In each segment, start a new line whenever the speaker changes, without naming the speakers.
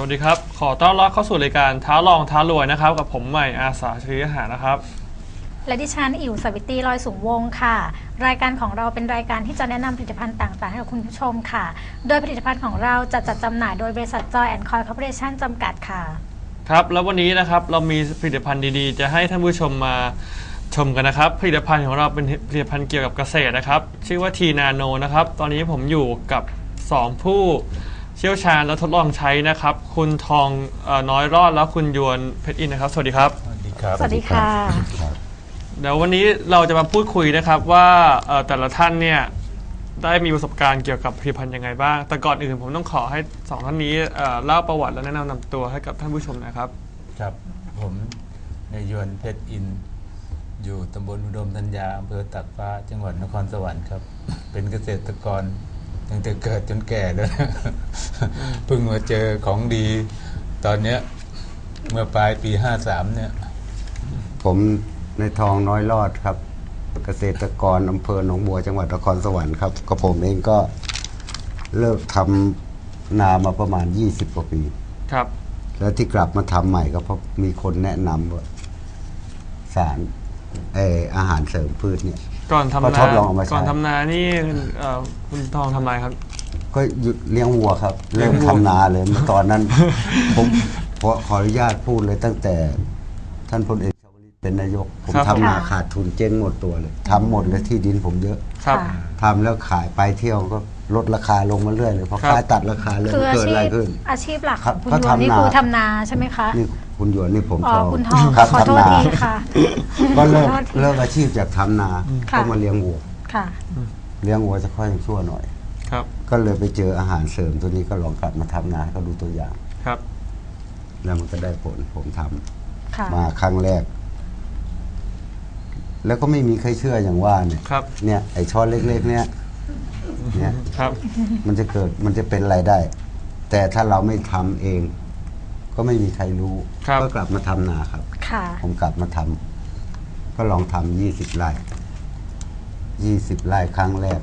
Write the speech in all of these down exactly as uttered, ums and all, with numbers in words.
วัสดีครับขอต้อนรับเข้าสู่รายการท้าลองท้ารวยนะครับกับผมใหม่อาสาชริยหานะครับ
และดิฉันอิ๋วสวิตรีลอยสูงวงค่ะรายการของเราเป็นรายการที่จะแนะนำผลิตภัณฑ์ต่างๆให้กับคุณผู้ชมค่ะโดยผลิตภัณฑ์ของเราจะจัดจำหน่ายโดยบริษัทจอยแอนด์คอยคอร์ปอเรชั่นจำกัดค่ะ
ครับแล้ววันนี้นะครับเรามีผลิตภัณฑ์ดีๆจะให้ท่านผู้ชมมาชมกันนะครับผลิตภัณฑ์ของเราเป็นผลิตภัณฑ์เกี่ยวกับเกษตรนะครับชื่อว่าทีนาโนนะครับตอนนี้ผมอยู่กับสองผู้เชี่ยวชาญและทดลองใช้นะครับคุณทองน้อยรอดและคุณยวนเพชรอินนะครับสวัสดีครับ
สวัสดีครับ
สวัสดีค่ะ
เดี๋ยววันนี้เราจะมาพูดคุยนะครับว่าแต่ละท่านเนี่ยได้มีประสบการณ์เกี่ยวกับผลิตภัณฑ์ยังไงบ้างแต่ก่อนอื่นผมต้องขอให้สองท่านนี้เล่าประวัติและแนะนำนำตัวให้กับท่านผู้ชมนะครับ
ครับผมนายยวนเพชรอินอยู่ตำบลอุดมธัญญาอำเภอตากฟ้าจังหวัดนครสวรรค์ครับเป็นเกษตรกรตั้งแต่เกิดจนแก่แล้วเพิ่งมาเจอของดีตอนเนี้ยเมื่อปลายปีห้าสามเนี่ย
ผมในทองน้อยรอดครับเกษตรกรอำเภอหนองบัวจังหวัดนครสวรรค์ครับก็ผมเองก็เลิกทำนามาประมาณยี่สิบกว่าปี
ครับ
แล้วที่กลับมาทำใหม่ก็เพราะมีคนแนะนำว่าสารเอออาหารเสริมพืชเนี่ย
ก่อนทำนาก่อนทำนานี่คุณทองทำอะไรครับ
ก็หยุดเลี้ยงวัวครับเริ่มทำนาเลยเมื่อตอนนั้นผมขออนุญาตพูดเลยตั้งแต่ท่านพลเอกชวลิตเป็นนายกผมทำนาขาดทุนเจ๊งหมดตัวเลยทำหมดเลยที่ดินผมเยอะทำแล้วขายไปเที่ยวก็ลดราคาลงมาเรื่อยเลยเพราะขายตัดราคาเลยเกิดอะไรขึ้น
อาชีพหลักของคุณยวนนี่คือทำนาใช่ไหมคะ
นี่คุณยวนนี่ผมชอบ
คุณทองขอโทษทีค่ะ
ก็เลิกเลิกอาชีพจากทำนาก็มาเลี้ยงวัวเลี้ยงวัวจะค่อยชั่วหน่อยก็เลยไปเจออาหารเสริมตัวนี้ก็ลองกลับมาทำนาก็ดูตัวอย่าง
ครับ
แล้วมันก็ได้ผลผมทำมาครั้งแรกแล้วก็ไม่มีใครเชื่ออย่างว่าเนี่ยเนี่ยไอช้อนเล็กๆเนี่ยเนี่ยมันจะเกิดมันจะเป็นอะไรได้แต่ถ้าเราไม่ทำเองก็ไม่มีใครรู้ก็กลับมาทำนาครับผมกลับมาทำก็ลองทำยี่สิบไร่ยี่สิบไร่ครั้งแรก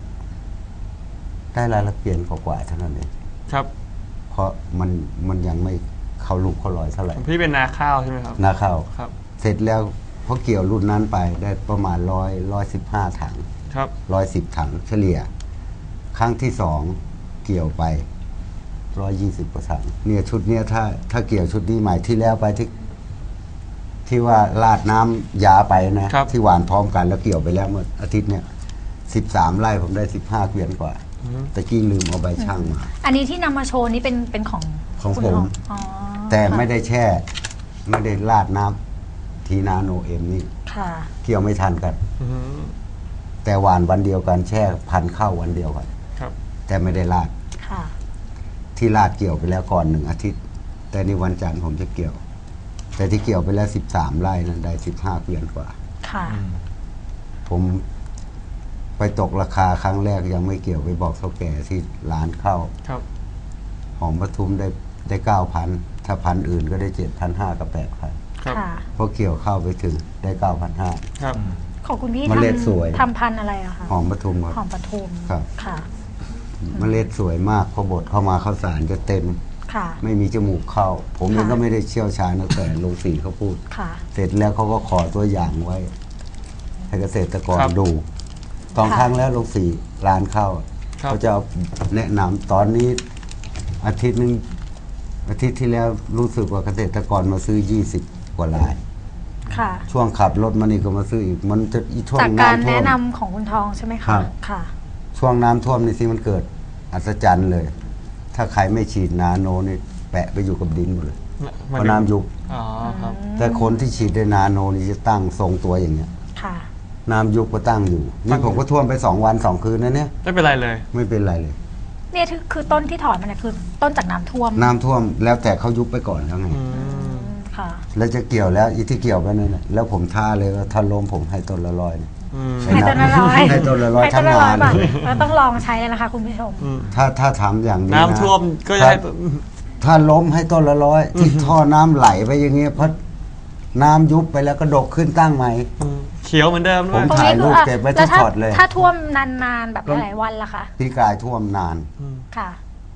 ได้รายละเปลี่ยนกว่าๆเท่านั้นเอง
ครับ
เพราะมันมันยังไม่เข้าลูกเข้าลอยเท่าไหร่
พี่เป็นนาข้าวใช่ไหมครับ
นาข้าว
ครับ
เสร็จแล้วพอเกี่ยวรุ่นนั้นไปได้ประมาณร้อยร้อยสิบห้าถัง
ครับ
ร้อยสิบถังเฉลี่ยครั้งที่สองเกี่ยวไปร้อยยี่สิบกว่าถังเนี่ยชุดเนี้ยถ้าถ้าเกี่ยวชุดนี้ใหม่ที่แล้วไปที่ที่ว่าลาดน้ำยาไปนะที่หวานพร้อมกันแล้วเกี่ยวไปแล้วเมื่ออาทิตย์เนี้ยสิบสามไร่ผมได้สิบห้าเกวียนกว่าตะกี้ลืมเอาใบช่างมา
อันนี้ที่นำมาโชว์นี้เป็นเป็นของ
ของผมแต่ไม่ได้แช่ไม่ได้ลาดน้ำทีนาโนเอ็มนี่เกี่ยวไม่ทันกันแต่หวานวันเดียวกันแช่พันเข้าวันเดียวกันแต่ไม่ได้ลาดที่ลาดเกี่ยวไปแล้วก่อนหนึ่งอาทิตย์แต่ในวันจันทร์ผมจะเกี่ยวแต่ที่เกี่ยวไปแล้วสิบสามไร่นั้นได้สิบห้าเกวียนกว่าผมไปตกราคาครั้งแรกยังไม่เกี่ยวไปบอกเท่าแก่ที่ร้านเข้าหอมปทุมได้ได้เก้าพันถ้าพันอื่นก็ได้เจ็ดพันห้ากับแปดพันพอเกี่ยวเข้าไปถึงได้เก้าพันห้า
ของคุณพี่
เมล็ดสวย
ทำพันอะไรอะคะ
หอมปทุม
ครับหอมปทุม
ครับค่ะเมล็ดสวยมากพอบดเข้ามาข้าวสารจะเต็มไม่มีจมูกเข้าผมเองก็ไม่ได้เชี่ยวชาญแต่โรงสีเขาพูดเสร็จแล้วเขาก็ขอตัวอย่างไว้ให้เกษตรกรดูสองครั้งแล้วโรงสีร้านเข้าเขาจะแนะนำตอนนี้อาทิตย์นึงอาทิตย์ที่แล้วรู้สึกว่าเกษตรกรมาซื้อยี่สิบกว่ารายช่วงขับรถมานี่ก็มาซื้ออีกมันจะอีช่วง
น้ำท่วมจากการแนะนำของคุณทองใช่ไหมคะค่ะ
ช่วงน้ำท่วมนี่สิมันเกิดอัศจรรย์เลยถ้าใครไม่ฉีดนาโนนี่แปะไปอยู่กับดินหมดเลยเพราะน้ำยุบแต่คนที่ฉีดด้วยนาโนนี่จะตั้งทรงตัวอย่างเงี้ยน้ำยุบก็ตั้งอยู่นี่ผมก็ท่วมไปสองวันสองคืนนะเนี่ย
ไม่เป็นไรเลย
ไม่เป็นไรเลย
เนี่ยคือต้นที่ถอนมันเนี่ยคือต้นจากน้ำท่วม
น้ำท่วมแล้วแต่เขายุบไปก่อนแล้วไงแล้วจะเกี่ยวแล้วอีที่เกี่ยวไปนั่นแหละแล้วผมท่าเลยว่าถ้าล้มผมให้ต้นละร้อย
ให้ต้นละร้อย
ให้ต้นละร้อยทั้งงาน
เราต้องลองใช้เลยนะคะคุณผู้ชม
ถ้าถ้าทำอย่างนี้
น้ำท่วมก็ให้
ถ้าล้มให้ต้นละร้อยที่ท่อน้ำไหลไปอย่างเงี้ยเพราะน้ำยุบไปแล้วก็ดกขึ้นตั้งใหม่
เขียวเหมือนเดิม
ผมถ่ายรูปเก็บไว้ที่พอร์ตเลย
ถ้าท่วมนานๆแบบหลายวันล่ะคะ
พี่กายท่วมนาน
ค่ะ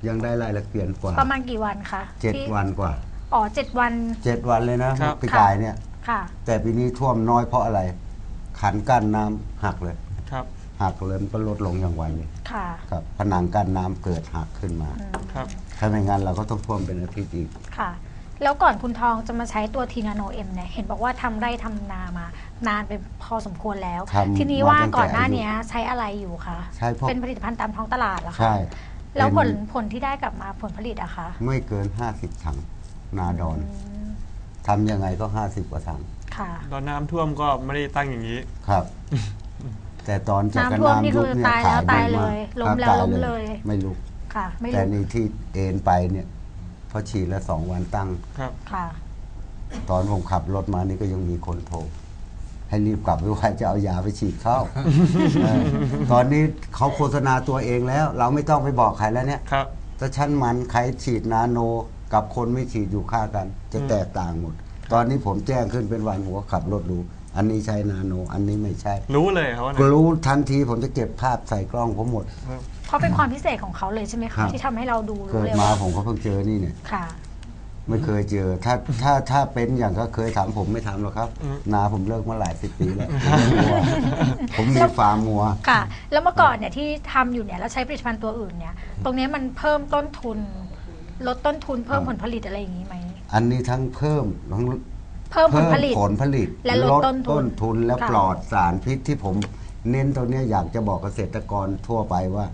ยังได้รายละเอียดกว่า
ประมาณกี่วันคะ
เจ็ด
ที่
วันกว่า
อ๋อเจ็ดวัน
เจ็ดวันเลยนะครับ ปีกายเนี่ย
ค่ะ
แต่ปีนี้ท่วมน้อยเพราะอะไร ขันกั้นน้ำหักเลย
ครับ
หักเลยมันก็ลดลงอย่างไวเลย
ค่ะ
ครับผนังกั้นน้ำเกิดหักขึ้นมา
อืม
ครับ
ถ้าไม่งั้นเราก็ต้องท่วมเป็นอาทิตย์อีก
ค่ะ แล้วก่อนคุณทองจะมาใช้ตัวทีนาโนเอ็มเนี่ยเห็นบอกว่าทำไร่ทำนามานานเป็นพอสมควรแล้ว
ทำ
ทีนี้ว่า
มาตั้งแต่
ก่อนหน้านี้ใช้อะไรอยู่คะ
ใช้พวก
เป็นผลิตภัณฑ์ตามท้องตลาดเหรอคะ
ใช่
แล้วผล
เป็น
ผลที่ได้กลับมาผลผลิตอะคะ
ไม่เกินห้าสิบถังนาดอน
อืม
ทำยังไงก็ห้าสิบกว่าถัง
ค่ะ
ตอนน้ำท่วมก็ไม่ได้ตั้งอย่างนี้
ครับ แต่ตอนจาก
น้ำท่วมนี่
น้ำยุบ
คือ
เนี่ย
ตายแล้ว
ขายดี
ตายเล
มาก
ยล้ม
ครับ
แล้ว
ตาย
ล้มเลย
ไม่ลุก
ค่ะ ไม่
แต่
รู้
นี่ที่เอ็นไปเนี่ยพอฉีดแล้วสองวันตั้ง
ครับ
ค่ะ
ตอนผมขับรถมานี่ก็ยังมีคนโทรให้รีบกลับไปว่าจะเอายาไปฉีดเข้า เออตอนนี้เขาโฆษณาตัวเองแล้ว เราไม่ต้องไปบอกใครแล้วเนี่ย
ครับ
ถ้าชั้นมันใครฉีดนาโน กับคนไม่ฉีดอยู่ค่ากัน จะแตกต่างหมด ตอนนี้ผมแจ้งขึ้นเป็นวันหัวขับรถดู อันนี้ใช้นาโน อันนี้ไม่ใช่
รู้เลยครับว่า
ก็รู้ทันทีผมจะเก็บภาพใส่กล้องผมหมด
เพราะเป็นความพิเศษของเขาเลยใช่ไหม
ครั
คะ
บ
ที่ทำให้เราดู
เกิ
รู้
ด
เลย
มา
ว่า
ผมก็เพิ่งเจอนี่เนี่ย
ค่ะ
ไม่เคยเจอ ถ้าถ้าถ้าเป็นอย่างก็เคยถามผมไม่ทำหรอกครับ นาผมเลิกมาหลายสิบปีแล้ว ผมมีฟาร์มมัว
ค่ะ แล้วเมื่อก่อนเนี่ยที่ทำอยู่เนี่ยแล้วใช้ผลิตภัณฑ์ตัวอื่นเนี่ย ตรงเนี้ยมันเพิ่มต้นทุน ลดต้นทุนเพิ่ม
ครับ
ผลผลิตอะไรอย่างนี้ไหม
อันนี้ทั้งเพิ่มทั้ง
เพิ่มผลผลิต
ผลผลิต
และลดต้นทุน
ต้นทุนและ
ค่ะ
ปลอดสารพิษที่ผมเน้นตรงเนี้ยอยากจะบอกเกษตรกรทั่วไปว่า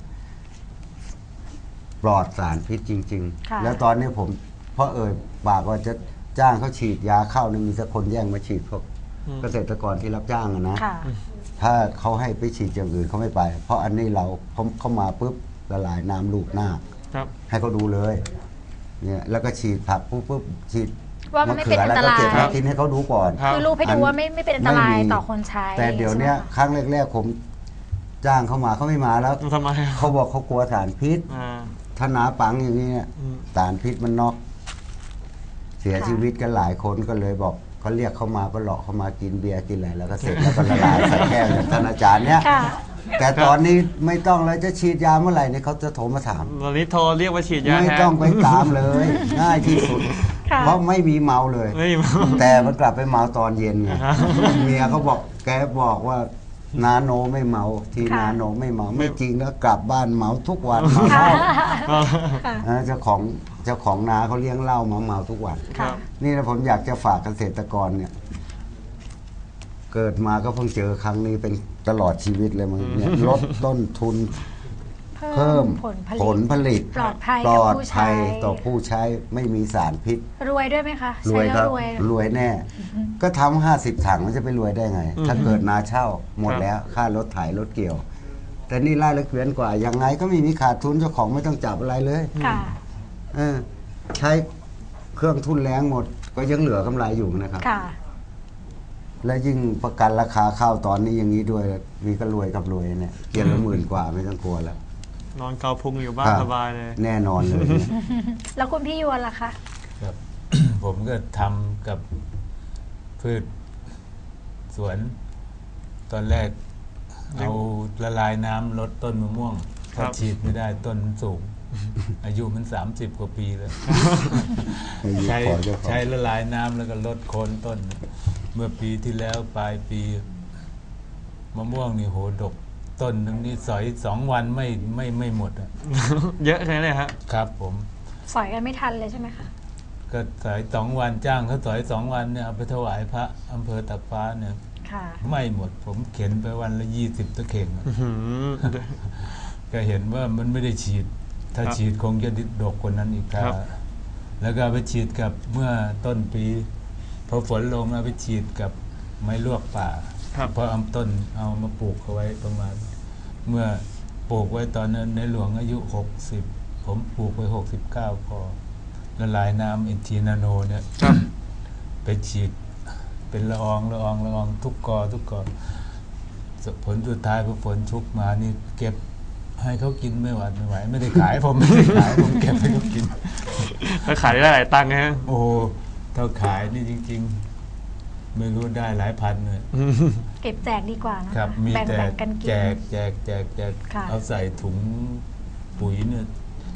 ปลอดสารพิษจริง
ค่ะ
ๆ แล้วตอนนี้ผมเพราะเอ่ยปากว่าจะจ้างเขาฉีดยาเข้านี่มีสักคนแย่งมาฉีดพวกเกษตรกรที่รับจ้างอะนะ
ค่ะ
ถ้าเขาให้ไปฉีดอย่างอื่นเขาไม่ไป เพราะอันนี้เราเขาเขามาปุ๊บละลายน้ำลูกหน้า
ครับ
ให้เขาดูเลย เนี่ยแล้วก็ฉีดผักปุ๊บปุ๊บฉีด
ว่ามันไม่เป็นอันตราย
มะเขือแล้วก็เก็บมากินให้เขาดูก่อน
ครับ
คือรูปให้ดูว่าไม่ไม่เป็นอันตราย
ไม่มี
ต่อคนใช้
แต่เดี๋ยวเนี้ย
ใช่ไหมคะ
ครั้งแรกๆผมจ้างเขามาเขาไม่มาแล้ว
ทำไมครับ
เขาบอกเขากลัวสารพิษ
อ่า
ถ้าหนาปังอย่างนี้เนี่ย
อืม
สารพิษมันน็อกเสียชีวิตกันหลายคนก็เลยบอกเขาเรียกเขามาก็หลอกเขามากินเบียร์กินอะไรแล้วก็เสร็จแล้วก็ละลายใส่แก้วอย่างท่านอาจารย์เนี่ย
ค่ะ
แต่ตอนนี้ไม่ต้องเลยจะฉีดยาเมื่อไหร่เนี่ยเขาจะโทรมาถาม
ตอนนี้โทรเรียกว่าฉีดยา
ไม่
แทน
ต้องไปตามเลย ง่ายที่สุด
ค่ะ
เพราะไม่มีเมาเลย
ไม่มา
แต่มันกลับไปเมาตอนเย็นไง
ครับ
เมียเขาบอกแกบอกว่านาโนไม่เมา ที
ค่ะ
นาโนไม่เมาไม่จริงแล้วกลับบ้านเมาทุกวันเมาเหล้า
ค่ะ
เออเจ้าของเจ้าของนาเขาเลี้ยงเหล้ามาเมาทุกวัน
ครั
ค่ะ
บ
นี่นะผมอยากจะฝากเกษตรกรเนี่ย เกิดมาก็เพิ่งเจอครั้งนี้เป็นตลอดชีวิตเลยมึงเนี่ยลดต้นทุน เพิ่ม
ผลผลิ
ผ
ต
ลผลิต
ปลอดภัย
ปล
กับ
อด
ผู้
ภั
ใช้
ยต่อผู้ใช้ไม่มีสารพิษ
รวยด้วยไหมคะ
รวย
ใช้
ครั
แล้
บ
วรวย
รวยแน่ ก็ทำห้าสิบถังมันจะไปรวยได้ไง ถ้าเกิดนาเช่าหมดแล้ว ค่ารถไถรถเกี่ยว แต่นี่ไล่ละเกวียนกว่า ยังไงก็ไม่มีขาดทุนเจ้าของไม่ต้องจับอะไรเลย
ค่ะ
เออใช้เครื่องทุนแรงหมด ก็ยังเหลือกำไรอยู่นะครับ
ค่ะ
และยิ่งประกันราคาข้าวตอนนี้อย่างนี้ด้วย มีก็รวยกับรวยเนี่ยเกียนละหมื่นกว่าไม่ต้องกลัวแล้ว
นอนเกาพุงอยู่บ้าน
ครับ
สบายเลย
แน่นอนเลยเนี่ย
แล้วคุณพี่ยวนล่ะคะ
ครับ ผมก็ทำกับพืชสวน ตอนแรก เอาละลายน้ำลดต้นมะม่วง
ครั
ถ้า
บ
ฉีดไม่ได้ต้นมันสูง อายุมันสามสิบกว่าปีแล้ว
ให้อยู่
ใช้
ขอเจ้าของ
ใช้ละลายน้ำแล้วก็ลดโคนต้น เมื่อปีที่แล้วปลายปี มะม่วงนี่โหดก ต้นนึงนี่สอยสองวันไม่ไม่ไม่หมดอะ
เยอะแค่ไหนฮะ
ครับผม
สอยกันไม่ทันเลยใช่ไหมคะ
ก็สอยสองวันจ้างเขาสอยสองวันเนี่ยเอาไปถวายพระอำเภอตากฟ้าเนี่ย
ค่ะ
ไม่หมด ผมเข็นไปวันละยี่สิบตะเข่งอะ
อื้อหือ
ก็เห็นว่ามันไม่ได้ฉีด ถ้า
ครับ
ฉีดคงจะดกกว่านั้นอีกครั
ครับ
บแล้วก็เอาไปฉีดกับเมื่อต้นปีพอฝนลงเอาไปฉีดกับไม้ลวกป่า
ครับ
เพราะเอาต้นเอามาปลูกเอาไว้ประมาณ เมื่อปลูกไว้ตอนนั้นในหลวงอายุหกสิบผมปลูกไว้หกสิบเก้าพอละลายน้ำเอ็นทีนาโนเนี่ย
ครับ
ไปฉีดเป็นละอองละอองละอองทุกกอทุกกอผลสุดท้ายพอฝนชุกมานี่เก็บให้เขากินไม่หวาดไม่ไหว ไม่ได้ขาย ผมไม่ได้ขายผมเก็บให้เขากิน
แล้วขายได้หลายตังค์ฮะ
โอ้เท่าขายนี่จริง ๆ ไม่รู้ได้หลายพันเลย
เก็บแจกดีกว่านะคะ
ครับ มี
แบ่ง
แต่
แบ่งกันกิน
แจกแจกแจกแจก
ค่ะ
เอาใส่ถุงปุ๋ยเนี่ย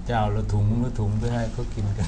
เจ้าละถุงละถุงไปให้เขากินกัน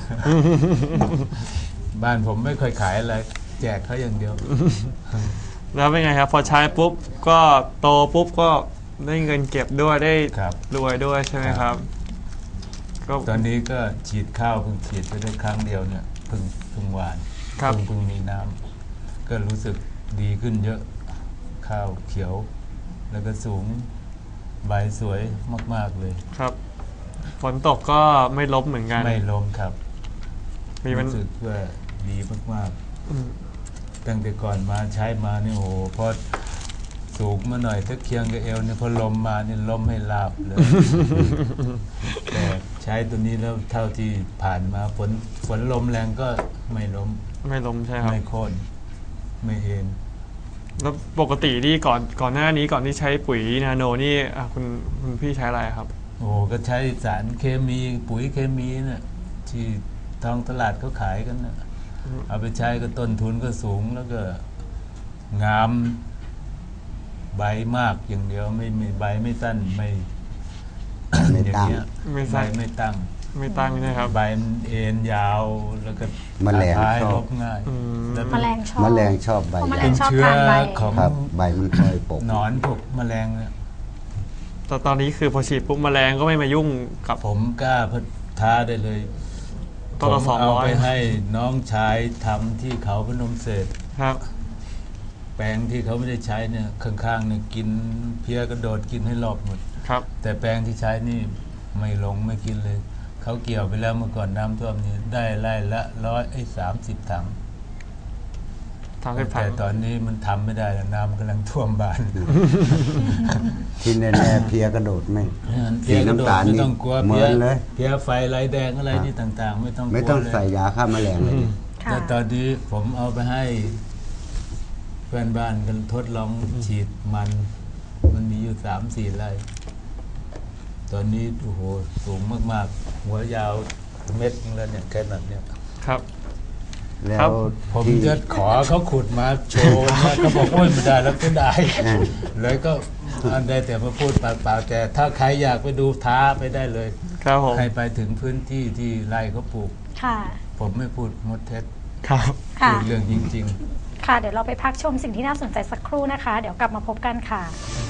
บ้านผมไม่ค่อยขายอะไรแจกเขาอย่างเดียว
แล้วเป็นไงครับ พอใช้ปุ๊บก็โตปุ๊บก็ได้เงินเก็บด้วยได้
ครับ
รวยด้วยใช่ไหมครับก็
ตอนนี้ก็ฉีดข้าวเพิ่งฉีดไปได้ครั้งเดียวเนี่ยเพิ่งเพิ่งหวาน
ครับ
เพิ่งเพิ่งมีน้ำก็รู้สึกดีขึ้นเยอะข้าวเขียว แล้วก็สูงใบสวยมากๆเลย
ครับ ฝนตกก็ไม่ล้มเหมือนกัน
ไม่ล้มครับ
มีมัน
รู้สึกว่าดีมาก
อืม
ๆตั้งแต่ก่อนมาใช้มาเนี่ยโอ้โหพอสูงมาหน่อยถ้าเคียงกับเอวเนี่ยพอลมมาเนี่ยล้มให้ลาบเลย แต่ใช้ตัวนี้แล้วเท่าที่ผ่านมาฝนฝนลมแรงก็ไม่ล้ม
ไม่ล้มใช่ครับ
ไม่โค่นไม่เอ็น
แล้วปกติที่ก่อนก่อนหน้านี้ก่อนที่ใช้ปุ๋ยนาโนนี่อ่ะคุณคุณพี่ใช้อะไรครับ
โอ้โหก็ใช้สารเคมีปุ๋ยเคมีเนี่ยที่ท้องตลาดเขาขายกันนะเอาไปใช้ก็ต้นทุนก็สูงแล้วก็งามใบมากอย่างเดียวไม่ไม่ใบไม่สั้นไม่
ไม่
อย่าง
ตั้ง
เงี้ย
ไม่
ใบ
สั้น
ไม่ตั้ง
ไม่ตั้งใช่ครับ
ใบมันเอ็นยาวแล้วก็
แมลง
ท้าย
ชอบ
ลบง่าย
อืม
แล้ว
แมลงชอบ
แมลงชอบใบ
เพราะแมล
เป็
ง
น
ชอบ
เชื้อ
ทานใบ
ของ
ครับ ใบมันค่อยปก
หนอนพวกแมลงเนี่ย
แต่ตอนนี้คือพอฉีดปุ๊บแมลงก็ไม่มายุ่งกับ
ผมกล้าพัท้าได้เลย
ต้นละ
ผม
สอง
เอา
ร้อย
ไปให้น้องชายทำที่เขาพนมเสร็จ
ครับ
แปลงที่เขาไม่ได้ใช้เนี่ยข้างๆเนี่ยกินเพี้ยกระโดดกินให้รอบหมด
ครับ
แต่แปลงที่ใช้นี่ไม่ลงไม่กินเลย เขาเกี่ยวไปแล้วเมื่อก่อนน้ำท่วมนี่ได้ไร่ละร้อยไอ้สามสิบถัง
ทำให้ผั
แต่
น
ตอนนี้มันทำไม่ได้แล้วน้ำกำลังท่วมบ้าน
ที่แน่ๆเพลียกระโดดไม่
เพี้ยกระโดด
สีน้ำตาล
ไม่
นี่
ต้องกลัว
เหมื
เพี้
อย นเลย
เพี้ยไฟลายแดงอะไรนี่ต่างๆ ไม่ต้องกลัว
ไม่ต้อง
เลย
ใส่ยาฆ่าแมลงเลยดิ
ค่ะ
แต่ตอนนี้ผมเอาไปให้เพื่อนบ้านกันทดลองฉีดมัน มันมีอยู่สามสี่ไร่ตอนนี้โอ้โหสูงมากๆ หัวยาวเม็ดนึงแล้วเนี่ยแค่นั้นเนี่ย
ครับ
แล้
ครั
ว
บ
ผม
ที่
จะขอเขาขุดมาโชว์นะเขาบอกโอ้ยไม่ได้แล้วก็ได้
อืม
เลยก็อันได้แต่มาพูดปากเปล่าแต่ถ้าใครอยากไปดูท้าไปได้เลย
ครับผม
ให้ไปถึงพื้นที่ที่ไร่เขาปลูก
ค่ะ
ผมไม่พูดมดเท็จ
ครับ
ค่ะ
พูดเรื่องจริง
ค่ะ เดี๋ยวเราไปพักชมสิ่งที่น่าสนใจสักครู่นะคะ เดี๋ยวกลับมาพบกันค่ะ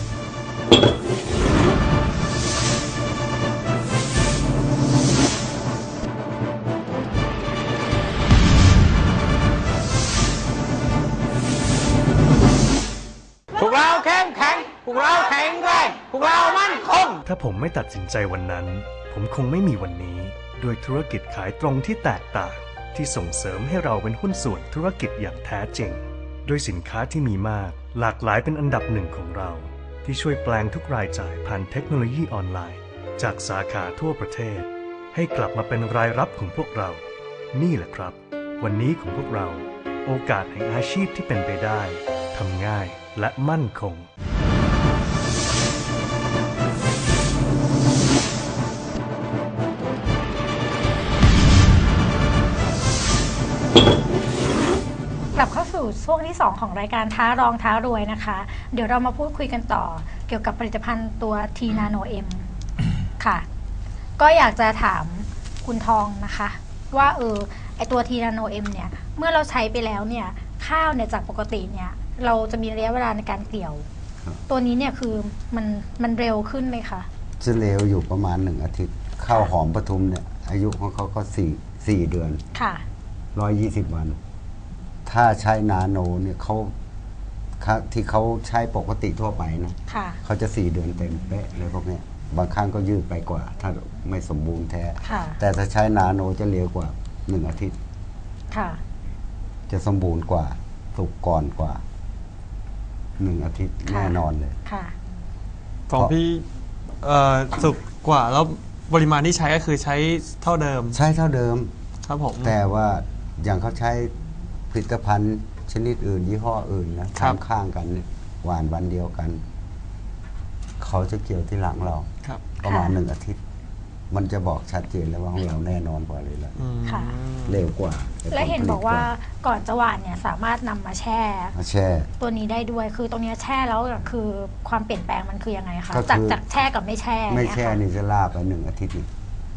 พวกเราเข้มแข็ง พวกเราแข็งแรง พวกเรามั่นคง
ถ้าผมไม่ตัดสินใจวันนั้น ผมคงไม่มีวันนี้ ด้วยธุรกิจขายตรงที่แตกต่าง ที่ส่งเสริมให้เราเป็นหุ้นส่วนธุรกิจอย่างแท้จริง ด้วยสินค้าที่มีมาก หลากหลายเป็นอันดับหนึ่งของเรา ที่ช่วยแปลงทุกรายจ่ายผ่านเทคโนโลยีออนไลน์ จากสาขาทั่วประเทศ ให้กลับมาเป็นรายรับของพวกเรา นี่แหละครับ วันนี้ของพวกเรา โอกาสแห่งอาชีพที่เป็นไปได้ทำง่ายและมั่นคง
กลับเข้าสู่ช่วงที่ สอง ของรายการท้ารองท้ารวยนะคะ เดี๋ยวเรามาพูดคุยกันต่อ เกี่ยวกับผลิตภัณฑ์ตัว T Nano M ค่ะ ก็อยากจะถามคุณทองนะคะ ว่าเออไอตัว T Nano M เนี่ย เมื่อเราใช้ไปแล้วเนี่ยข้าวเนี่ยจากปกติเนี่ย เราจะมีระยะเวลาในการเกี่ยว
ครับ
ตัวนี้เนี่ยคือมันมันเร็วขึ้นไหมคะ
จะเลวอยู่ประมาณหนึ่งอาทิตย์ข้าวหอมปทุมเนี่ย อายุของเขาก็สี่สี่เดือน
ค่ะ
ร้อยยี่สิบวัน ถ้าใช้นาโนเนี่ยเขาเขาที่เขาใช้ปกติทั่วไปนะ
ค่ะ
เขาจะสี่เดือนเต็มเป๊ะเลยพวกเนี้ยบางครั้งก็ยืดไปกว่า ถ้าไม่สมบูรณ์แท้
ค่ะ
แต่ถ้าใช้นาโนจะเร็วกว่าหนึ่งอาทิตย์
ค่ะ
จะสมบูรณ์กว่าสุกก่อนกว่าหนึ่งอาทิตย์
ค่ะ
แน่นอนเลย
ค่ะ
ของพี่เอ่อสุกกว่าแล้วปริมาณที่ใช้ก็คือใช้เท่าเดิม
ใช้เท่าเดิม
ครับผม
แต่ว่าอย่างเขาใช้ผลิตภัณฑ์ชนิดอื่น ยี่ห้ออื่นนะครับ ข้างๆกันเนี่ยหวานวันเดียวกัน เขาจะเกี่ยวที่หลังเรา
ครับ
ประมาณ
ค่ะ
หนึ่งอาทิตย์ มันจะบอกชัดเจนแล้วว่าของเราแน่นอนกว่าเลยละ
อืม
ค่ะ
เร็วกว่าต่
และเห็น
ผลผลิต
บอกว่าก่อนจะหวานเนี่ยสามารถนำมาแช่
มาแช่
ตัวนี้ได้ด้วย คือตรงเนี้ยแช่แล้วคือความเปลี่ยนแปลงมันคือยังไงคะ
ก็คือ
จากจากแช่กับไม่แช่
ไม่
เนี่ย
แช่
ค่ะ
นี่จะล่าไปหนึ่งอาทิตย์นี่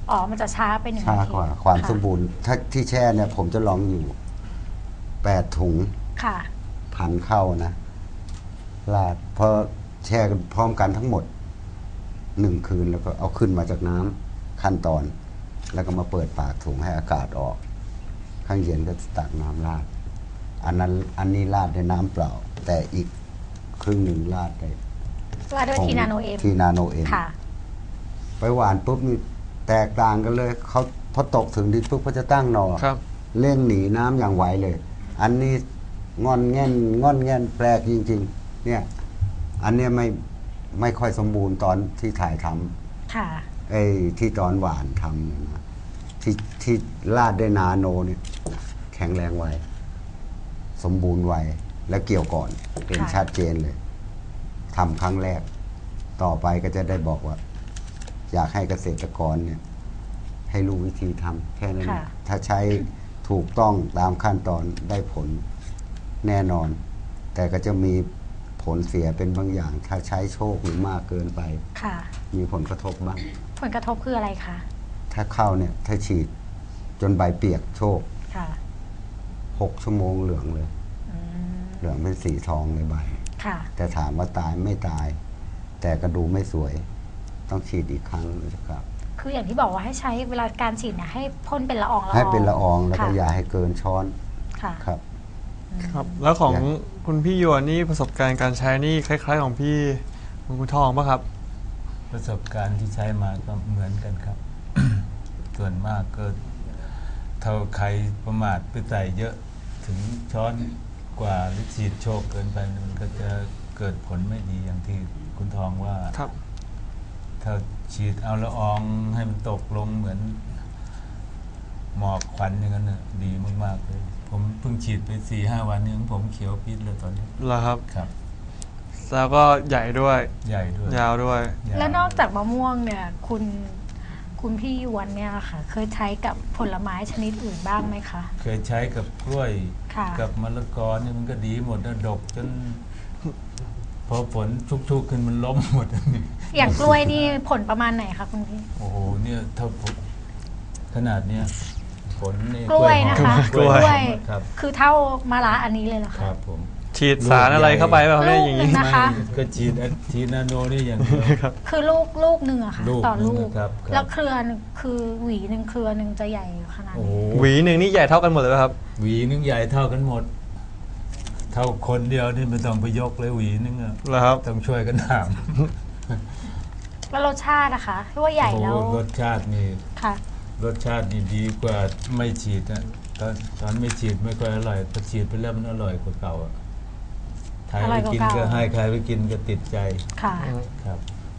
อ๋อมันจะช้าไปหนึ่ง
ช้า
นาที
กว่าความ
ะ
สมบูรณ์ถ้าที่แช่เนี่ยผมจะลองอยู่แปดถุง
ค่ะ
พันเข้านะลาดพอแช่กันพร้อมกันทั้งหมดหนึ่งคืนแล้วก็เอาขึ้นมาจากน้ำขั้นตอน แล้วก็มาเปิดปากถุงให้อากาศออก ข้างเย็นก็ตักน้ำราดอันนั้นอันนี้ราดในน้ำเปล่า แต่อีกครึ่งหนึ่งราดได้
ว่าด้วยทีนาโนเอ็ม
ทีนาโนเอ็ม
ค่ะ
ไปหวานปุ๊บนี่แตกต่างกันเลยเขาพอตกถึงดินปุ๊บเขาจะตั้งหนอ
ครับ
เร่งหนีน้ำอย่างไวเลย อันนี้งอนแง่นงอนแง่นแปลกจริง ๆ เนี่ย อันเนี้ยไม่ไม่ค่อยสมบูรณ์ตอนที่ถ่ายทำ
ค่ะ
ไอ้ที่ตอนหวานทำเนี่ยนะที่ที่ลาดด้วยนาโนเนี่ยแข็งแรงไวสมบูรณ์ไวและเกี่ยวก่อนเห็น
ค่ะ
ชัดเจนเลยทำครั้งแรก ต่อไปก็จะได้บอกว่า อยากให้เกษตรกรเนี่ย ให้รู้วิธีทำแค่นั้นเองถ้าใช้ถูกต้องตามขั้นตอนได้ผลแน่นอน แต่ก็จะมีผลเสียเป็นบางอย่าง ถ้าใช้โชคหรือมากเกินไป
ค่ะ
มีผลกระทบบ้าง
ผลกระทบคืออะไรคะ
ถ้าเข้าเนี่ย ถ้าฉีดจนใบเปียกโชค
ค่ะ
หกชั่วโมงเหลืองเลย
อืม
เหลืองเป็นสีทองเลยใบ
ค่ะ
แต่ถามว่าตายไม่ตาย แต่กระดูไม่สวย ต้องฉีดอีกครั้งนะครับ
คืออย่างที่บอกว่าให้ใช้เวลาการฉีดเนี่ยให้พ่นเป็นละอองละออง
ให้เป็นละอองแล้วก็
ค่ะ
อย่าให้เกินช้อน
ค่ะ
ครับ
ครับ แล้วของ
อย่าง
คุณพี่หยวนนี่ประสบการณ์การใช้นี่คล้าย ๆ ของพี่คุณคุณทองป่ะครับ
ประสบการณ์ที่ใช้มาก็เหมือนกันครับ ส่วนมากก็เท่าใครประมาทไปใส่เยอะถึงช้อนกว่าหรือฉีดโชคเกินไปมันก็จะเกิดผลไม่ดีอย่างที่คุณทองว่า
ครับ
ถ้าฉีดเอาละอองให้มันตกลงเหมือนหมอกควันอย่างนั้นน่ะดีมากๆเลย ผมเพิ่งฉีดไปสี่ห้าวันนี้ผมเขียวปิดเลยตอนนี้
เหรอครับ
ครับ
แล้วก็ใหญ่ด้วย
ใหญ่ด้วย
ยาวด้วย
ยาว
แล้วนอกจากมะม่วงเนี่ย คุณคุณพี่ยวนเนี่ยค่ะ เคยใช้กับผลไม้ชนิดอื่นบ้างไหมคะ
เคยใช้กับกล้วย
ค่ะ
กับมะละกอเนี่ยมันก็ดีหมดนะดกจน พอฝนชุกๆขึ้นมันล้มหมด
อย่างกล้วยนี่ผลประมาณไหนคะคุณพี่
โอ้โหเนี่ยถ้าผมขนาดเนี้ยผลนี่
กล้วยนะคะ
กล้วย
กล้วย
ครับ
คือเท่ามะระอันนี้เลยเหรอ
ค
คะ
รับผม
ฉีดสารอะไรเข้าไปป่ะครับเนี่ยอย่างนี้
ลูกหนึ่ง นะคะ
ไม่ก็ฉีดแอนทีนาโนนี่อย่างเดียว
คือลูกลูกหนึ่งอะค่ะ
ลูก
ต่อลู
หนึ่
ก
งครับครับ
แล้วเครือหนึ่งคือหวีหนึ่งเครือหนึ่งจะใหญ่ขนาด
โอ้
นี้
โห
หวีหนึ่งนี่ใหญ่เท่ากันหมดเลยป่ะครับ
หวีนึงใหญ่เท่ากันหมด เท่าคนเดียวนี่ไม่ต้องไปยกเลยหวีนึงอะ
เหรอครับ
ต้องช่วยกันถาม
แล้วรสชาตินะคะที่ว่าใหญ่แล้ว
โอ้โหรสชาตินี่
ค่ะ
รสชาตินี่ดีกว่าไม่ฉีดนะตอนตอนไม่ฉีดไม่ค่อยอร่อยพอฉีดไปแล้วมันอร่อยกว่าเก่าอะใคร
อร่
ไป
อยกว่า
กิน
เก่า
ก็ให้ใครไปกินก็ติดใจ
ค่ะ
ครับ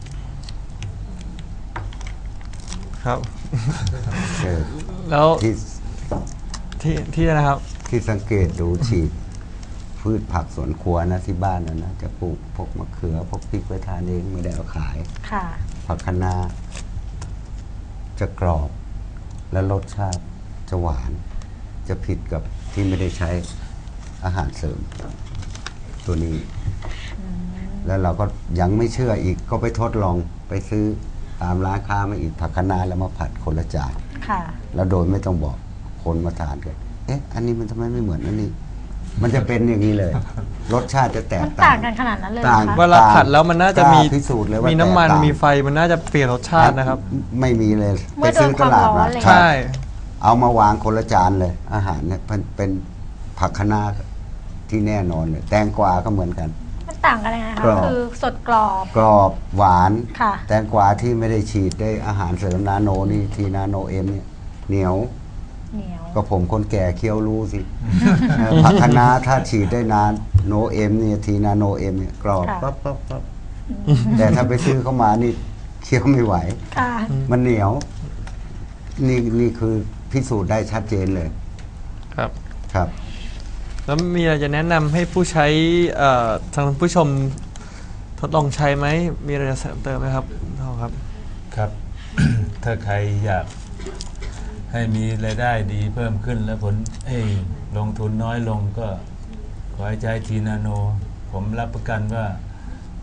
ครับ
เออ
แล้ว
ที่
ที่ที่นะครับ
ที่สังเกตดูฉีดพืชผักสวนครัวนะที่บ้านนะนะจะปลูกพวกมะเขือพวกพริกไว้ทานเองไม่ได้เอาขาย
ค่ะ
ผักคะน้าจะกรอบ และรสชาติจะหวาน จะผิดกับที่ไม่ได้ใช้อาหารเสริม ตัวนี้ แล้วเราก็ยังไม่เชื่ออีกก็ไปทดลองไปซื้อตามร้านค้ามาอีกผักคะน้าแล้วมาผัดคนละจาน
ค่ะ
แล้วโดยไม่ต้องบอกคนมาทานกันเอ๊ะ อันนี้มันทำไมไม่เหมือนอันนี้ มันจะเป็นอย่างนี้เลย รสชาติจะแตก
มัน
ต่า
ต่าง งกันขนาดนั้นเลยเหรอ
ต่าง
คะ
เวลาผัดแล้วมันน่าจะมี
กล้พิสูจน์เลยว่า
มีน้ำมัน
แตกต่าง
มีไฟมันน่าจะเปลี่ยนรสชาตินะครับ
ไม่มีเลย
เมื่อโดนความร้อนเลย
ใช่
เอามาวางคนละจานเลย อาหารเนี่ยเป็นเป็นผักคะน้าที่แน่นอนเลย แตงกวาก็เหมือนกัน
มันต่างกันยังไง
ก
คะ
รอบ
คือสดกรอบ
กรอบหวาน
ค่ะ
แตงกวาที่ไม่ได้ฉีดได้อาหารเสริมนาโนนี่ทีนาโนเอ็มเนี่ยเหนียว
เหนียว
ก็ผมคนแก่เคี้ยวรู้สิ เออผักคะน้าถ้าฉีดได้นานโนเอ็มเนี่ยทีนาโนเอ็มเนี่ยกรอบปั๊บปั๊บปั๊บแต่ถ้าไปซื้อเข้ามานี่เคี้ยวไม่ไหว
ค่ะ
มันเหนียว นี่นี่คือพิสูจน์ได้ชัดเจนเลย
ครับ
ครับ
แล้วมีอะไรจะแนะนำให้ผู้ใช้เอ่อทางผู้ชมทดลองใช้ไหม มีอะไรจะเสริมเติมไหมครับทองครับ
ครับ ถ้าใครอยากให้มีรายได้ดีเพิ่มขึ้นแล้วผลเอ้ยลงทุนน้อยลงก็ขอให้ใช้ทีนาโน ผมรับประกันว่า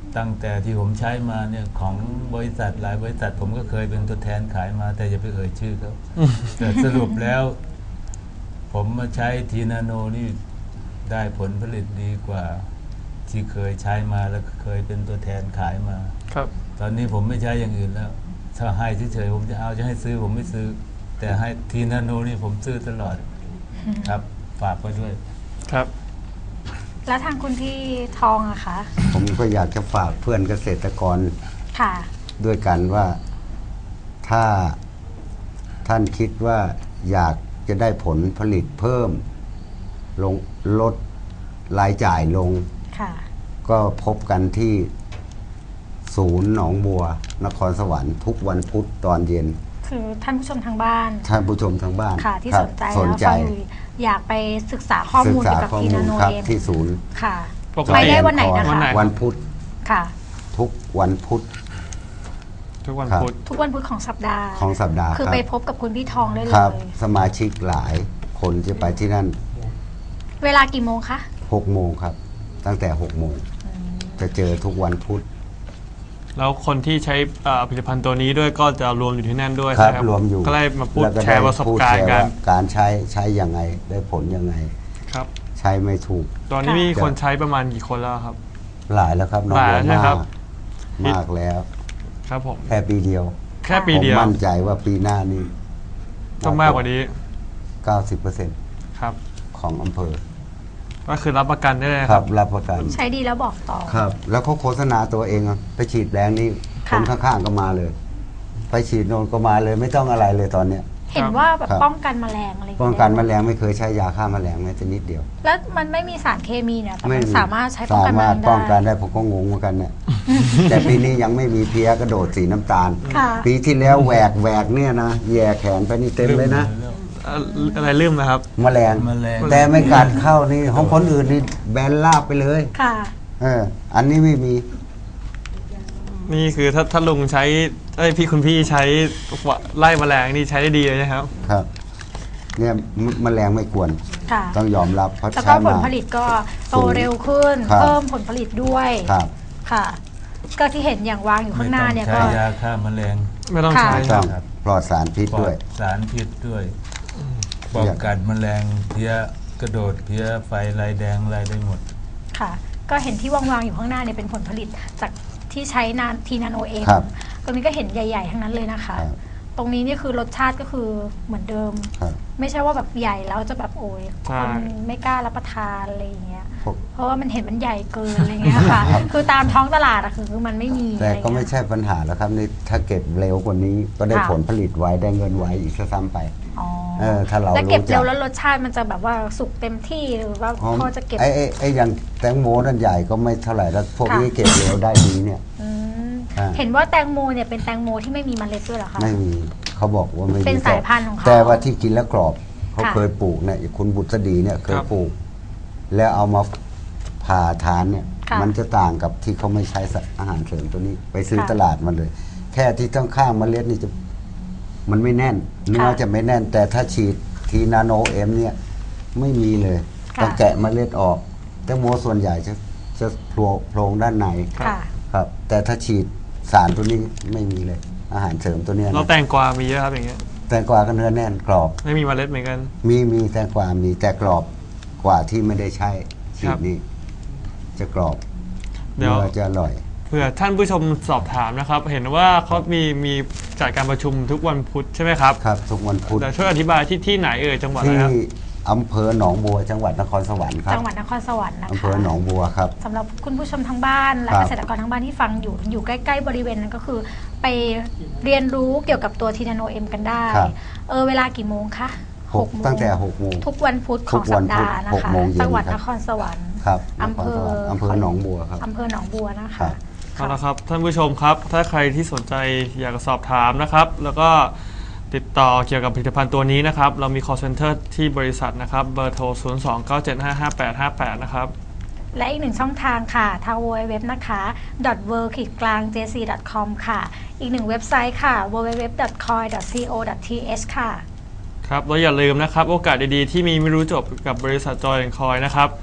ตั้งแต่ที่ผมใช้มาเนี่ยของบริษัทหลายบริษัทผมก็เคยเป็นตัวแทนขายมาแต่อย่าไปเอ่ยชื่อเขาแต่สรุปแล้ว ผมมาใช้ทีนาโนนี่ได้ผลผลิตดีกว่าที่เคยใช้มาแล้วเคยเป็นตัวแทนขายมา
ครับ
ตอนนี้ผมไม่ใช้อย่างอื่นแล้วถ้าให้เฉยๆผมจะเอาจะให้ซื้อผมไม่ซื้อ แต่ให้ทีนาโนนี่ผมซื้อตลอดครับฝากไว้ด้วย
ครับ
แล้วทางคุณพี่ทองอะคะ
ผมก็อยากจะฝากเพื่อนเกษตรกร
ค่ะ
ด้วยกันว่าถ้าท่านคิดว่าอยากจะได้ผลผลิตเพิ่มลงลดรายจ่ายลง
ค่ะ
ก็พบกันที่ศูนย์หนองบัวนครสวรรค์ทุกวันพุธตอนเย็น
คือท่านผู้ชมทางบ้าน
ท่านผู้ชมทางบ้าน
ค่ะ ที่
ครั
ส
บ
นใจ
สน
แล้ว
ใจ
ฟังอยู่อยากไปศึกษาข้อ
ศึ
มู
ก
ล
ษา
เกี่ยวกับ
ข้อ
ที
มู
นา
ล
โน
ครับ
เอ็ม
ที่ศูนย์
ค่ะ
ปกติ
ไปได้วันไหนนะ
วันไหน
คะ
วันพุธ
ค่ะ
ทุกวันพุธ
ทุกวัน
ครับ
พุธ
ทุกวันพุธของสัปดาห์
ของสัปดาห์
คือ
ครับ
ไปพบกับคุณพี่ทองได้เล
ครับ
ย
สมาชิกหลายคนจะไปที่นั่น
เวลากี่โมงคะ
หกโมงครับ ตั้งแต่หกโมงจะเจอทุกวันพุธ
แล้วคนที่ใช้เอ่อผลิตภัณฑ์ตัวนี้ด้วยก็จะรวมอยู่ที่นั่นด้วย
ครับ
ใช่ไหม
รวมอยู่
ก็เลยมาพูด
แล้วก็
แชร์ประสบ
พูด
การ
แช
ณ์กัน
ว่าการใช้ใช้ยังไงได้ผลยังไง
ครับ
ใช้ไม่ถูก
ตอนนี้มีคนใช้ประมาณกี่คนแล้วครับ
หลายแล้วครับน้อง
หลาย
บัว
ใช่
มา
ครั
ก
บ
มากแล้ว
ครับผม
แค่ปีเดียว
แค่ปี
ผม
เดียว
มั่นใจว่าปีหน้านี้
ต้องมากกว่านี้
เก้าสิบเปอร์เซ็นต์
ครับ
ของอำเภอ
ก็คือรับประกันได้เลย
ค
ค
รั
รั
บบ รับประกัน
ใช้ดีแล้วบอกต่อ
ครับ แล้วเขาโฆษณาตัวเองอะไปฉีดแรงนี้ค
ค่ะ
นข้างๆก็มาเลย ไปฉีดโนนก็มาเลย ไม่ต้องอะไรเลยตอนเนี้ย
เห็นว่าแบบ
ครับ
ป้องกันแมลงอะไรอย่าง
ป้อง
เงี้ย
กันแมลงไม่เคยใช้ยาฆ่าแมลงแม้แต่นิดเดียว
แล้วมันไม่มีสารเคมีเนี่ยแต่
ไม่
มัน
มี
สามารถใช้ป้องกัน
สา
แม
มารถ
ลง
ป้องกัน
ได้
ได้ผมก็งงเหมือนกันเนี่ย แต่ปีนี้ยังไม่มีเพี้ยกระโดดสีน้ำตาล
ค่ะ
ปีที่แล้วแหวกแหวกเนี่ยนะแย่แขนไปนี่เต็มเลยนะ
เอ่ออะไรลืมนะครับ
แมลง
แมลง
แต่ไม่กัดเข้านี่ของคนอื่นนี่แบนลาบไปเลย
ค่ะ
เออ อันนี้ไม่มี
นี่คือถ้าถ้าลุงใช้ไอยพี่คุณพี่ใช้ไล่แมลงนี่ใช้ได้ดีเลยนะครับ
ครับ เนี่ยมแมลงไม่กวน
ค่ะ
ต้องยอมรับเพราะ
แล้ว
ใช้
ก็ผ
มา
ลผลิตก็โตเร็วขึ้น
ครับ
เพิ่มผลผลิตด้วย
ครับ
ค่ะ ก็ที่เห็นอย่างวางอยู่
ไม่
ข้างห
ต้
น้า
อง
เนี่ย
ใช้
ก็
ยาฆ่าแมลง
ไม่ต้อง
ค่ะ
ใช้
ไม่
ค
ต้
รั
อบ งปลอดสารพิษ
ปลอ
ด้วย
ดสารพิษด้วยป้องกันแมลงเพี้ยกระโดดเพี้ยไฟลายแดงลายได้หมด
ค่ะ ก็เห็นที่วางๆอยู่ข้างหน้าเนี่ยเป็นผลผลิตจากที่ใช้นานทีนาโนเอง
ครับ
ตรงนี้ก็เห็นใหญ่ๆทั้งนั้นเลยนะคะ
ครับ
ตรงนี้นี่คือรสชาติก็คือเหมือนเดิม
ครับ
ไม่ใช่ว่าแบบใหญ่แล้วจะแบบโอย
ใช่
คนไม่กล้ารับประทานอะไรอย่างเงี้ย
พวก
เพราะว่ามันเห็นมันใหญ่เกินอะไรเงี้ยค่ะ คือตามท้องตลาดอะคือมันไม่มี
แต่
อะไร
ก็ไม่
เงี้ย
ใช่ปัญหาแล้วครับนี่ถ้าเก็บเร็วกว่านี้ ก็ได้
ค่ะ
ผลผลิตไว้ได้เงินไว้อีกซะซ้ำไป
อ๋อ
เออถ้าเรา
แล้วเก็บ
รู้จัก
เร็วแล้วรสชาติมันจะแบบว่าสุกเต็มที่หรือว่า
อ๋อ
พอจะเก็บ
ไอ้ไอ้ไอ้อย่างแตงโมนั่นใหญ่ก็ไม่เท่าไหร่แล้วพวก
ค่ะ
นี้เก็บเร็วได้ดีเนี่ย
อืม
อ่า
เห็นว่าแตงโมเนี่ยเป็นแตงโมที่ไม่มีเมล็ดด้วยเหรอคะ
ไม่มีเขาบอกว่าไม่มี
เป็นสายพันธุ์ของเขา
แต่ว่าที่กินแล้วกรอบเขา
ค่ะ
เคยปลูกเนี่ยคุณบุตรดีเนี่ยเคย
ครับ
ปลูก แล้วเอามาผ่าทานเนี่ย
ค่ะ
มันจะต่างกับที่เขาไม่ใช้อาหารเสริมตัวนี้ ไปซื้อ
ค่ะ
ตลาดมันเลย แค่ที่ต้องข้างเมล็ดนี่จะมันไม่แน่นเนื้อ
ค่ะ
จะไม่แน่น แต่ถ้าฉีดทีนาโนเอ็มเนี่ยไม่มีเลย
ค่ะ
ต้องแกะเมล็ดออกแตงโมส่วนใหญ่จะจะโผล่โพรงด้านใน
ค่ะ
ครับ แต่ถ้าฉีดสารตัวนี้ไม่มีเลย อาหารเสริมตัวเนี้ย
แล้ว
นะ
แตงกวามีเยอะครับอย่างเงี้ย
แตงกวาก็เนื้อแน่นกรอบ
ไม่มีเมล็ดเหมือนกัน
มีมีแตงกวามีแต่กรอบกว่าที่ไม่ได้ใช้ฉี
ครั
ด
บ
นี่จะกรอบ
เดี๋ยว
เนื้อจะอร่อย
เผื่อท่านผู้ชมสอบถามนะครับ เห็นว่าเขามีมีจัดการประชุมทุกวันพุธใช่ไหมครับ
ครับ ทุกวันพุธ
เดี๋ยวช่วยอธิบายที่ที่ไหนเอ่ยจังหวัดอะไร
ที่
ครับ
อำเภอหนองบัวจังหวัดนครสวรรค์ครับ
จังหวัดนครสวรรค์นะคะ
อำเภอหนองบัวครับ
สำหรับคุณผู้ชมทางบ้านและ
ครับ
เกษตรกรทางบ้านที่ฟังอยู่อยู่ใกล้ๆบริเวณนั้นก็คือ ไปเรียนรู้เกี่ยวกับตัวทีนาโนเอ็มกันได้
ครับ
เออเวลากี่โมงคะ
หก
โม
ตั้งแต่หกโมง
ทุกวันพุธข
ทุ
อง
ก
สั
วั
ป
นพุธ
ดาห์นะ
หก
คะ
โมงเย็น
จังหวัด
ครับ
นครสวรรค์
ครับ
อำเภอ
อำเภอหนองบัวครับ
อำเภอหนองบัวนะ
ครั
คะ
บ
เอาละครับท่านผู้ชมครับ ถ้าใครที่สนใจอยากจะสอบถามนะครับ แล้วก็ติดต่อเกี่ยวกับผลิตภัณฑ์ตัวนี้นะครับ เรามี call center ที่บริษัทนะครับ เบอร์โทร ศูนย์ สอง เก้า เจ็ด ห้า ห้า แปด ห้า แปด นะครับ
และอีกหนึ่งช่องทางค่ะทาง ดับเบิลยู ดับเบิลยู ดับเบิลยู นะคะ w o r l d กลาง เจ ซี ดอท คอม ค่ะ อีกหนึ่งเว็บไซต์ค่ะ ดับเบิลยู ดับเบิลยู ดับเบิลยู ดอท คอย ดอท ซี โอ ดอท ที เอช ค่ะ
ครับแล้วอย่าลืมนะครับ โอกาสดีๆ ที่มีไม่รู้จบกับบริษัทจอยแอนด์คอยนะครับ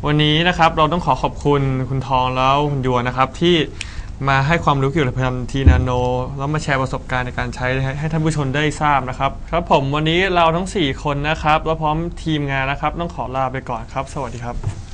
วันนี้นะครับเราต้องขอขอบคุณคุณทองแล้วคุณยัวนะครับที่มาให้ความรู้เกี่ยวกับผลิตภัณฑ์ทีนาโนแล้วมาแชร์ประสบการณ์ในการใช้ให้ท่านผู้ชมได้ทราบนะครับครับผมวันนี้เราทั้งสี่คนนะครับและพร้อมทีมงานนะครับต้องขอลาไปก่อนครับสวัสดีครับ